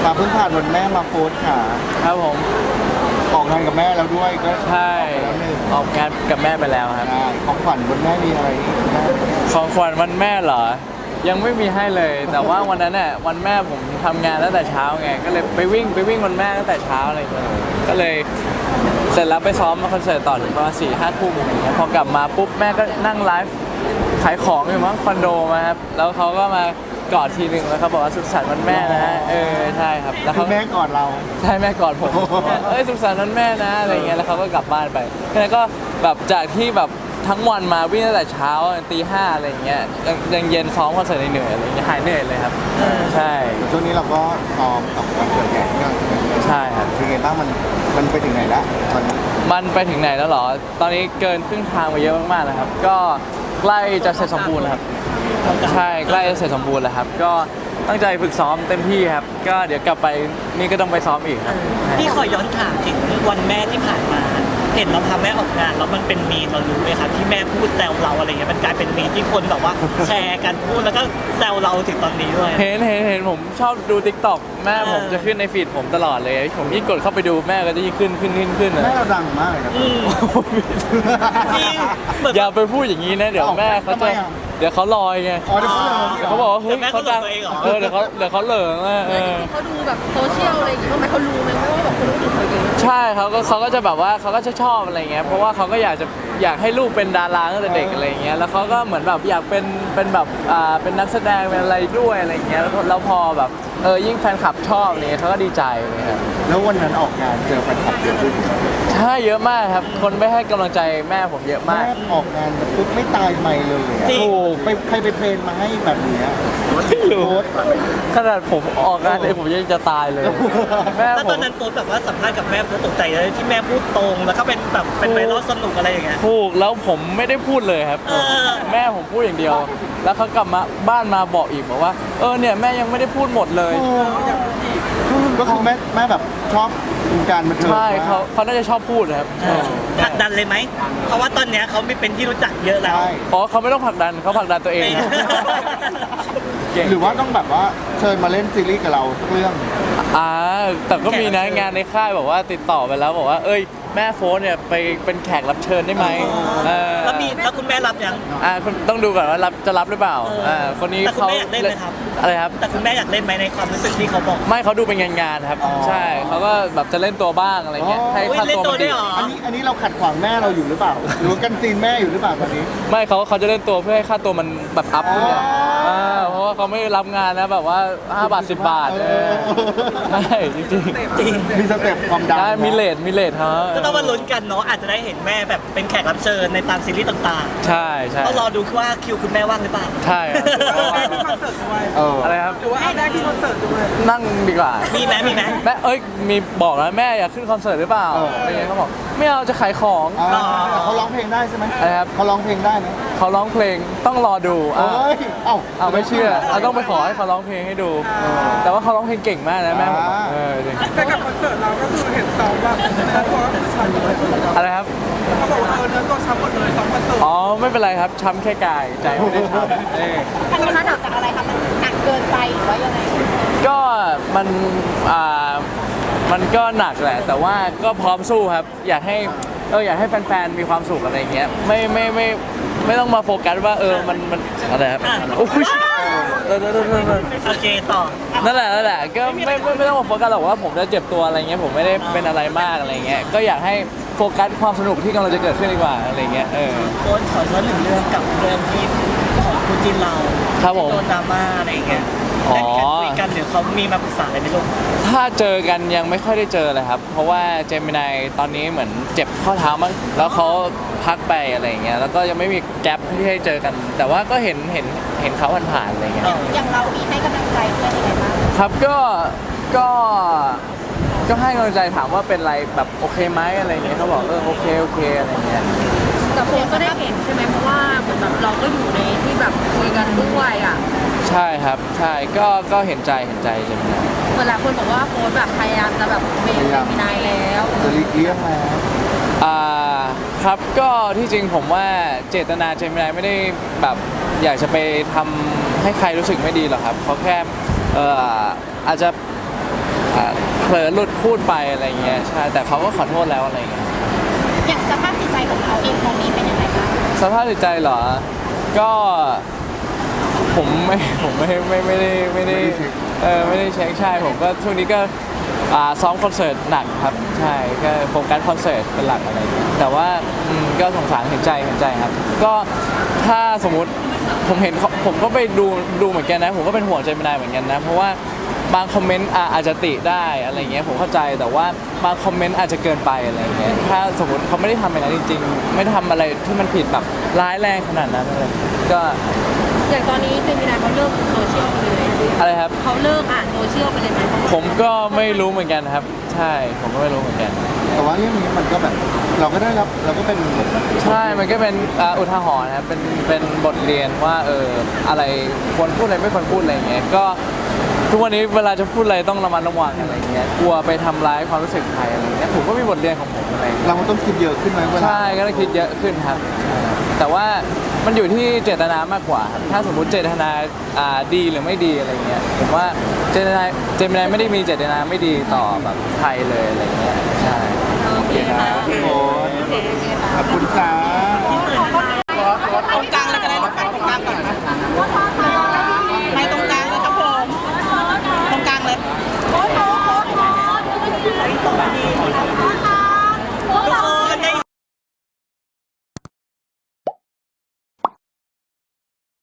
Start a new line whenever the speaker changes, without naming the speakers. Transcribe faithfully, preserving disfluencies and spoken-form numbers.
มาเพิ่งผ่านวันแม่มาโพสต์ค่ะ
ครับผม
ออกงานกับแม่แล้วด้วยก็
ใช่
แล้วหนึ่ง
ออกงานกับแม่ไปแล้วครับ
ใช่ของขวัญวันแม่มีอะไร
ของขวัญวันแม่เหรอยังไม่มีให้เลย แต่ว่าวันนั้นเนี่ยวันแม่ผมทำงานตั้งแต่เช้าไงก็เลยไปวิ่งไปวิ่งวันแม่ตั้งแต่เช้าอะไรอย่างเงี้ยก็เลยเสร็จแล้วไปซ้อมมาคอนเสิร์ตต่อถึงประมาณสี่ห้าทุ่มอย่างเงี้ยพอกลับมาปุ๊บแม่ก็นั่งไลฟ์ขายของอยู่มั้งคอนโดมาครับแล้วเขาก็มากอดทีหนึ่งแล้วเขาบอกว่าสุขสันต์วันแม่นะฮะเออใช่ครับแล้วเขา
แม่กอดเรา
ใช่แม่กอดผมเอ้ยสุขสันต์วันแม่นะอะไรเงี้ยแล้วเขาก็กลับบ้านไปแล้วก็แบบจากที่แบบทั้งวันมาวิ่งตั้งแต่เช้าตีห้าอะไรเงี้ยยังยังเย็นซ้อมคอนเสิร์ตเหนื่อยอะไรเงี้ยหายเหนื่อยเลยครับใช่
ช่วงนี้เราก็ซ้อมกับคอนเสิร์ตใหญ่ที่เรา
ใช่ครับ
เป็นไงบ้างมันมันไปถึงไหนแล้วมัน
มันไปถึงไหนแล้วหรอตอนนี้เกินครึ่งทางไปเยอะมากๆแล้วครับก็ใกล้จะเสร็จสมบูรณ์แล้วครับใช่ใกล้จะเสร็จสมบูรณ์แล้วครับก็ตั้งใจฝึกซ้อมเต็มที่ครับก็เดี๋ยวกลับไปนี่ก็ต้องไปซ้อมอีกครับ
พี่ขอย้อนถามถึงวันแม่ที่ผ่านมาเห็นเราพาแม่ออกงานแล้วมันเป็นมีมเรารู้ไหมครับที่แม่พูดแซวเราอะไรเงี้ยมันกลายเป็นมีมที่คนแบบว่าแชร์กันพูดแล้วก็แซวเราถึงตอนนี้ด้วย
เห็นเห็นเห็นผมชอบดู ติ๊กต็อก แม่ผมจะขึ้นในฟีดผมตลอดเลยผมยิ่งกดเข้าไปดูแม่ก็จะยิ่งขึ้นขึ้นขึ้นขึ้น
แม่เราดังมากเลยนะ
จริง
อย่าไปพูดอย่างนี้นะเดี๋ยวแม่เขาจะเดี๋ยวเขาลอยไง
อ๋อเดี๋ยวเขาลอย
เดี๋ยวเขาบอกว่าเฮ้ยเขาดังเออเดี๋ยวเขาเดี๋ยวเขาเหลิงอ่ะเออ
เขาดูแบบโซเชียลอะไรอย่างเงี้ยทำไมเขารู้ไหมว่าแบบคนรู้สึกเขาเยอะ
ใช่เขาก็เขาก็จะแบบว่าเขาก็จะชอบอะไรเงี้ยเพราะว่าเขาก็อยากจะอยากให้ลูกเป็นดาราตั้งแต่เด็กอะไรเงี้ยแล้วเขาก็เหมือนแบบอยากเป็นเป็นแบบอ่าเป็นนักแสดงเป็นอะไรด้วยอะไรเงี้ยแล้วพอแบบเออยิ่งแฟนคลับชอบเนี่ยเขาก็ดีใจเลยครับ
แล้ววันนั้นออกงานเจอแฟนคลับเยอะขึ้น
ใช่เยอะมากครับคนไม่ให้กำลังใจแม่ผมเยอะมาก
แม่ออกงานปุ๊บไม่ตายไม่เลย
ถูก
ไปใครไปเพลงมาให้แบบนี้
ไม่รู้ขนาดผมออกงานเองผมยังจะตายเลย
แม่ผมตอนนั้นโพสแบบว่าสัมภาษณ์กับแม่โพสตกใจเลยที่แม่พูดตรงแล้วก็เป็นแบบเป็นไวรัลสนุกอะไรอย่างเงี้ย
ถูกแล้วผมไม่ได้พูดเลยครับแม่ผมพูดอย่างเดียวแล้วเขากลับมาบ้านมาบอกอีกบอกว่าเออเนี่ยแม่ยังไม่ได้พูดหมดเลย
ก็คือแม่แม่แบบชอบการบันเทิง
ใช่เขาเขาน่าจะชอบพูดครับ
ผลักดันเลยไหมเพราะว่าตอนเนี้ยเขาไม่เป็นที่รู้จักเยอะแล้ว
อ๋อเขาไม่ต้องผลักดันเขาผลักดันตัวเอง
หรือว่าต้องแบบว่าเชิญมาเล่นซีรีส์กับเราสักเรื่อง
อ่าแต่ก็มีนะงานในค่ายบอกว่าติดต่อไปแล้วบอกว่าเอ้ยแม่โฟนเนี่ยไปเป็นแขกรับเชิญได้ไหม
แล้วมีแล้วคุณแม่รับยัง
อ่าคุณต้องดูก่อนว่ารับจะรับหรือเปล่าอ่าคนนี้เขา
เล่นไหมครับ
อะไรครับ
แต่คุณแม่อยากเล่นไหมในความรู้สึกที่เขาบอก
ไม่เขาดูเป็นงานงานครับใช่เขาก็แบบจะเล่นตัวบ้างอะไรเงี้ยให้ค่าตัวมันดี
อันนี้อันนี้เราขัดขวางแม่เราอยู่หรือเปล่าหรือกันซีนแม่อยู่หรือเปล่าตอนนี้
ไม่เขาเขาจะเล่นตัวเพื่อให้ค่าตัวมันแบบอัพขึ้นเนี่ยเพราะว่าเขาไม่รับงานนะแบบว่าห้าบาทสิบบาทใช่จริง
จริง
มีสเต็ปความดัง
มีเลทมีเลทฮะ
ก็ต้องมาลุ้นกันเนาะอาจจะได้เห็นแม่แบบเป็นแขกรับเชิญในตามซีรีส์ต่าง
ๆใช่ใช่
ต้องรอดูว่าคิวคุณแม่ว่างหรือเปล่า
ใช่อะไรครับ
หรือว่าได้ที่คอนเสิร์ตด้วย
นั่งดีกว่า
มีไหมมีไหม
แม่เอ้ยมีบอกนะแม่อยากขึ้นคอนเสิร์ตหรือเปล่าอะไรเงี้ยเขาบอกไม่เอาจะขายของ
เขาร้องเพลงได้ใช่ไหม
อะไรครับ
เขาร้องเพลงได้ไหม
เขาร้องเพลงต้องรอดู
เอ้ยเอ้า
เอาไม่เชื่อเราต้องไปขอให้เขาร้องเพลงให้ดูแต่ว่าเขาร้องเพลงเก่งมากนะแม่ผมเออจริง
แต่กับคอนเสิร์ตเราก็คือเห็นซ้อมแบบ
อะไรครับ
เขาบอกว่าเออเนื้อตัวช้ำหมดเลยซ้อมคอนเสิร์ต
อ๋อไม่เป็นไรครับช้ำแค่กายใจไม่ได้ช้ำเออ
อันนี้มันหนักจากอะไรครับมันหนักเกินไปหรือว่ายังไง
ก็มันอ่ามันก็หนักแหละแต่ว่าก็พร้อมสู้ครับอยากให้เอออยากให้แฟนๆมีความสุขอะไรเงี้ยไม่ไม่ไม่ไม่ต้องมาโฟกัสว่าเออมันมันอะไรครับโอ้ย
โอเคต่อ
นั่นแหละนั่นแหละก็ไม่ไม่ไม่ต้องมาโฟกัสหรอกว่าผมจะเจ็บตัวอะไรเงี้ยผมไม่ได้เป็นอะไรมากอะไรเงี้ยก็อยากให้โฟกัสความสนุกที่กำลังจะเกิดขึ้นดีกว่าอะไรเงี้ยเออ
โค้ชขอย้อนหนึ่งเรื่องกับเรื่องที่ของคุณจินเรา
ครับผม
โดนดราม่าอะไรเงี้ยได้มีการคุยกันหรือเขามีมาปรึกษาอะไรไหมลูก
ถ้าเจอกันยังไม่ค่อยได้เจอเลยครับเพราะว่าเจมินายตอนนี้เหมือนเจ็บข้อเท้ามั้งแล้วเขาพักไปอะไรเงี้ยแล้วก็ยังไม่มีแกลบที่ให้เจอกันแต่ว่าก็เห็นเห็นเห็นเขาผ่านๆอะไรเงี้ย
อย่างเรามีให้กำลังใจเพื่อนยังไงบ้าง
ครับก็ก็ก็ให้กำลังใจถามว่าเป็นไรแบบโอเคไหมอะไรเงี้ยเขาบอกเออโอเคโอเคอะไรเงี้ย
แต่โฟก็ได้เห็นใช่ไหมเพราะว่าเหมือนแบบเราก็อยู่ในที่แบบคุยกันด้วยอ่ะ
ใช่ครับใช่ก็ก็เห็นใจเห็นใจใช่ไหม
เหมือนหลายคนบอกว่าโฟแบบพยายามจะแบบเบรกมีนายแล้ว
จะลีกเลี่ยงแล้ว
อ่าครับก็ที่จริงผมว่าเจตนาเจมินายไม่ได้แบบอยากจะไปทำให้ใครรู้สึกไม่ดีหรอกครับเขาแค่เอ่ออาจจะอ่าเผลอหลุดพูดไปอะไรเงี้ยใช่แต่เขาก็ขอโทษแล้วอะไรเงี้ย
อย่างสภาพจิตใจของเขาเองตรงนี้เป็นยังไงบ้าง
สภาพจิตใจเหรอ ก็ผมไม่ผมไม่ไม่ไม่ได้ไม่ได้เออไม่ได้เช็คใช่ผมก็ช่วงนี้ก็อ่าซ้อมคอนเสิร์ตหนักครับใช่ก็โฟกัสคอนเสิร์ตเป็นหลักอะไรอย่างเงี้ยแต่ว่าอืมก็สงสารเห็นใจเห็นใจครับ ก็ถ้าสมมุติผมเห็นเขาผมก็ไปดูดูเหมือนกันนะผมก็เป็นห่วงใจไม่ได้เหมือนกันนะเพราะว่าบางคอมเมนต์อ่ะอาจจะติได้อะไรเงี้ยผมเข้าใจแต่ว่าบางคอมเมนต์อาจจะเกินไปอะไรเงี้ยถ้าสมมติเขาไม่ได้ทำอะไรนั้นจริงๆไม่ได้ทำอะไรที่มันผิดแบบร้ายแรงขนาดนั้นอะไรก็
อย่างตอนนี้เจมินายเขาเลิกโซเชียลไปเลย
อะไรครับ
เขาเลิกอ่านโซเชียลไปเลยไหม
ผมก็ไม่รู้เหมือนกันครับ ใช่ผมก็ไม่รู้เหมือนกัน
แต่ว่าเรื่องนี้มันก็แบบเราก็ได้รับเราก็เป็น
ใช่มันก็เป็นอ่าอุทาหรณ์นะครับเป็นเป็นบทเรียนว่าเอออะไรควรพูดอะไรไม่ควรพูดอะไรอย่างเงี้ยก็ทุกวันนี้เวลาจะพูดอะไรต้องระมัดระวังอะไรอย่างเงี้ยกลัวไปทำร้ายความรู้สึกใครอะไรอย่างเงี้ยผมก็มีบทเรียนของผมอะไรอย่างเงี้ย
เราต้องคิดเยอะขึ้นไหมเวลา
ใช่ก็ต้องคิดเยอะขึ้นครับใช่แต่ว่ามันอยู่ที่เจตนามากกว่าครับถ้าสมมุติเจตนาอ่าดีหรือไม่ดีอะไรเงี้ยผมว่าเจตนาเจตนาไม่ได้มีเจตนาไม่ดีต่อแบบใครเลยอะไรเงี้ยใช่